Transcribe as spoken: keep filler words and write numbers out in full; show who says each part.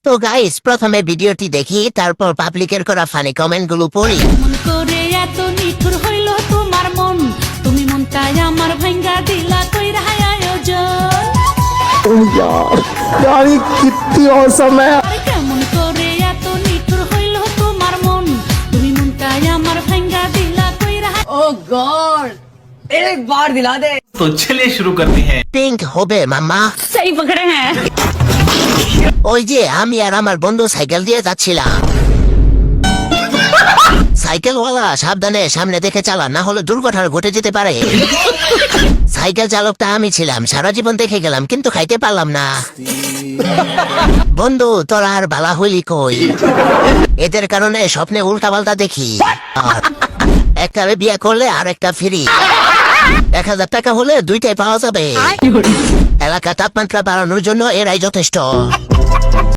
Speaker 1: তো গাইস, প্রথমে ভিডিওটি দেখি, তারপর পাবলিকের করা ফানি কমেন্ট গুলো পড়ি।
Speaker 2: মন করে এত নিঠুর হইল তোমার মন, তুমি মনটাই আমার ভাঙ্গা দিলা কইরা আয়োজন।
Speaker 3: ओह यार यार ये कितनी औसम है।
Speaker 2: আরে কেমন করে এত নিঠুর হইল তোমার মন, তুমি মনটাই আমার ভাঙ্গা দিলা কইরা।
Speaker 4: ओह गॉड एक बार दिला दे।
Speaker 5: तो चलिए शुरू करते हैं।
Speaker 1: পিঙ্ক হবে মাম্মা।
Speaker 2: সেই পকড়ে হ্যাঁ।
Speaker 1: ওই যে আমি আর আমার বন্ধু সাইকেল দিয়ে যাচ্ছিলাম। সাইকেলওয়ালা সাবধানে সামনে দেখে চালা, না হলে দুর্ঘটনা ঘটে যেতে পারে। সাইকেল চালকটা আমি ছিলাম, সারা জীবন দেখে গেলাম কিন্তু খাইতে পারলাম না। বন্ধু তোরা আর বালা হইলি কই? এদের কারণে স্বপ্নে উল্টা পাল্টা দেখি। আর একটা বিয়ে করলে আর একটা ফ্রি। এক হাজার টাকা হলে দুইটাই পাওয়া যাবে। এলাকা তাপমাত্রা বাড়ানোর জন্য এরাই যথেষ্ট।